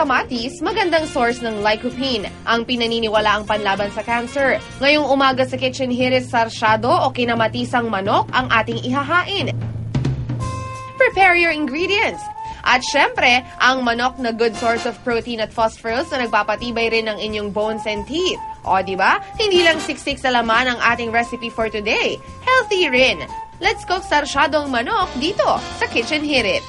kamatis, magandang source ng lycopene, ang pinaniniwalaang panlaban sa cancer. Ngayong umaga sa Kitchen Hirit, sarsyado o kinamatisang manok ang ating ihahain. Prepare your ingredients. At syempre, ang manok na good source of protein at phosphorus na nagpapatibay rin ng inyong bones and teeth. O, diba? Hindi lang siksik sa laman ang ating recipe for today. Healthy rin. Let's cook sarsyadong manok dito sa Kitchen Hirit.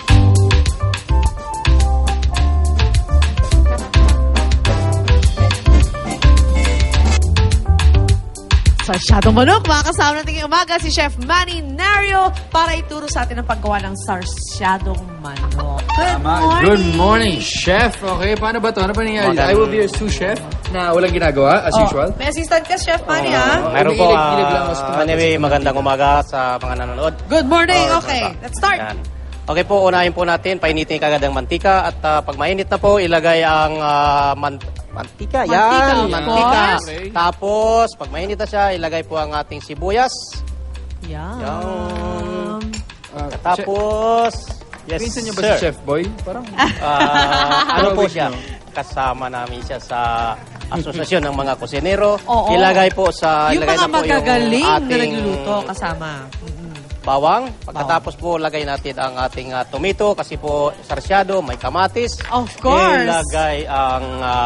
Sarsyadong manok, makakasama natin ngayong umaga si Chef Manny Nario para ituro sa atin ang paggawa ng sarsyadong manok. Good morning, Chef. Okay, paano ba ito? Ano ba nangyari? I will be your sous chef na walang ginagawa, as usual. May assistant ka, Chef Manny, ha? Meron po, anyway, magandang umaga sa mga nanonood. Good morning, okay. Let's start. Yan. Okay po, unahin po natin, painitin kagad ang mantika at pag mainit na po, ilagay ang mantika. Yan, mantika. Okay. Tapos, pag mainit na siya, ilagay po ang ating sibuyas. Yan. Tapos, yes, Pinsan niyo ba sir. si Chef Boy? Parang, Ano po siya? Kasama namin siya sa Asosasyon ng mga Kusinero. Oo. Ilagay po sa... Yung ilagay mga na po magagaling yung na ating nagluluto kasama. bawang. Pagkatapos po, lagay natin ang ating tomato kasi po sarsyado, may kamatis. Of course. Ilagay ang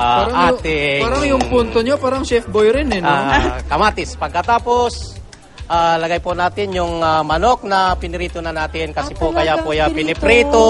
ating... Parang yung punto niyo, parang Chef Boy rin eh, no? kamatis. Pagkatapos, lagay po natin yung manok na pinirito na natin kasi po kaya po yan piniprito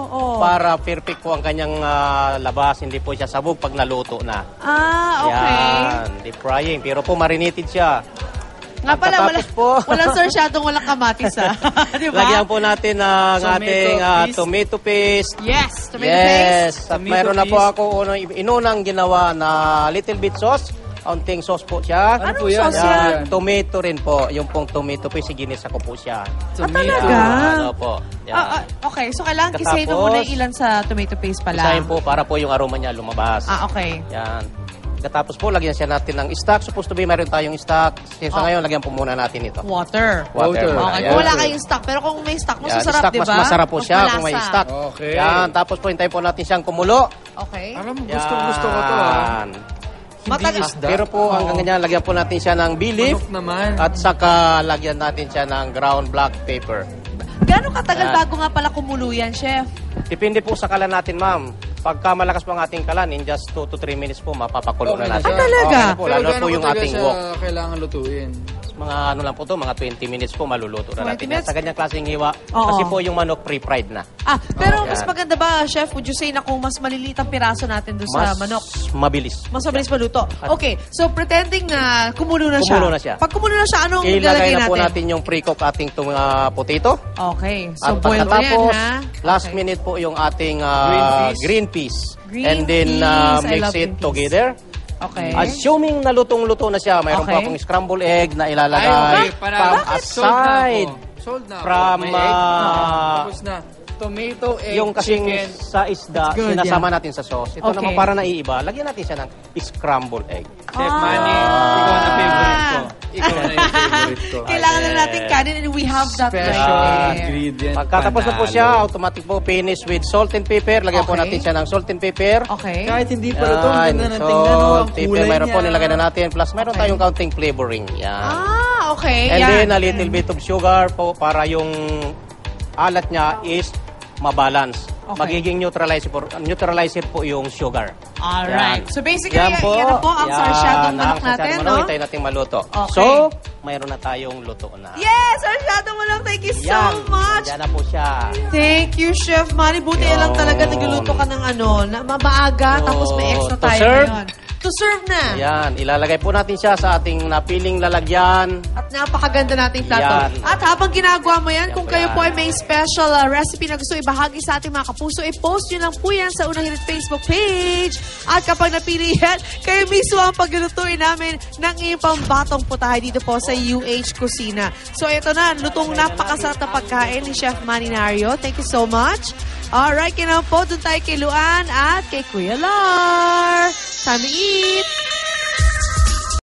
para perfect po ang kanyang labas. Hindi po siya sabog pag naluto na. Okay. Yan, deep frying. Pero po marinated siya. Nga pala, Pagkatapos walang sarsyadong walang kamatis, ha? Diba? Lagyan po natin ang Tomato ating paste. tomato paste. Yes, tomato paste. Yes. At Tomato mayroon na po paste. ako inunang ginawa na little bit sauce. Kaunting sauce po siya. Ano po Anong yan? sauce Ano yan? yan? Tomato rin po. Yung pong tomato paste, ginisa ko po siya. Talaga? Ano po. Yan. Okay, so kailangan Katapos, kisahin mo muna yung ilan sa tomato paste pala. Isahin po para po yung aroma niya lumabas. Okay. Yan. Katapos po, lagyan siya natin ng stock. Supposed to be, mayroon tayong stock. Sa ngayon, lagyan po muna natin ito. Water. Water. muna. Okay, Yan. kung wala kayong stock. Pero kung may stock, mas Yan, masarap, stock, di ba? Mas masarap po Mas siya kung may malasa. stock. Okay. Yan. Tapos po, hintayin po natin siyang kumulo. Okay. Alam mo, gusto ko to, ha? Yan. Matagal. isda. Pero po, hanggang ganyan, lagyan po natin siya ng bay leaf. Manok naman. At saka, lagyan natin siya ng ground black pepper. Gano'ng katagal Yan. bago nga pala kumulo yan, Chef? Depende po sa kalan natin, ma'am. Pagka malakas po ang ating kalan, in just 2 to 3 minutes po, mapapakulo Okay na na natin. siya. talaga? Okay na po, lalo po yung ating wok. kailangan lutuin? Mga ano lang po to, mga 20 minutes po maluluto na 20 natin. minutes? Sa ganyang klaseng hiwa. Oo. Kasi po yung manok pre-fried na. Pero Yan. mas maganda ba, Chef, would you say na kung mas maliliit ang piraso natin doon sa manok? Mabilis. Mas mabilis maluto. Okay, so pretending na kumulo na siya. Kumulo na siya. Pag kumulo na siya, anong Ilagay ilalagay na po natin? natin yung pre-cook ating potato. Okay, so At boiled na yan, pagkatapos, ha? last Okay. minute po yung ating Green peas. Green and then peas. I mix love green it peas. together. Okay. Assuming na lutong-luto na siya, mayroon Okay. pa akong scrambled egg na ilalagay Ay, okay. from aside. Sold na ako. From, May egg. Tapos na. Tomato, egg, Yung kasing chicken. sa isda, It's good, sinasama natin sa sauce. Ito Okay. naman para naiiba, lagyan natin siya ng scrambled egg. Chef Manny, ikaw na favorite ko. Ikaw na yung favorite ko. Kailangan na natin kanin and we have that Special right there. ingredient. Pagkatapos na po Panalo. siya, automatic po finish with salt and pepper. Lagyan po Okay. natin siya ng salt and pepper. Okay. Kahit hindi pa luto, ang Yan, ganda ng tingnan, no? Ang pepper, kulay mayroon po niya. nilagay na natin. Plus, mayroon Okay. tayong counting flavoring. Yan. Okay. And yan. then, a little bit of sugar po para yung alat niya is mabalance. Okay. Magiging neutralizer po yung sugar. Alright. Yan. So basically, Yan po. yan na po ang Yan, sarsyadong manok ang sarsyadong natin, manok. no? Hintayin natin maluto. Okay. So, mayroon na tayong luto na. Yes! Sarsyadong manok. Thank you so Yan. much. Yan na po siya. Thank you, Chef Manny. Buti Yun. lang talaga nagluluto ka ng na mabaaga, tapos may extra To tayo serve? ngayon. To serve na. Yan. Ilalagay po natin siya sa ating napiling lalagyan. At napakaganda nating plato. Yan. At habang ginagawa mo yan, Yan kung po kayo yan. po ay may special recipe na gusto ibahagi sa ating mga kapuso, i-post nyo lang po yan sa Unang Hirit Facebook page. At kapag napili yan, kayo mismo ang paglulutuin namin ng iyong pambatong putahe dito po sa UH Kusina. So ito na, lutong napakasarap na pagkain ni Chef Manny Nario. Thank you so much. Alright, kinaw po, dun tayo kay Luan at kay Kuya Lar. Time to eat!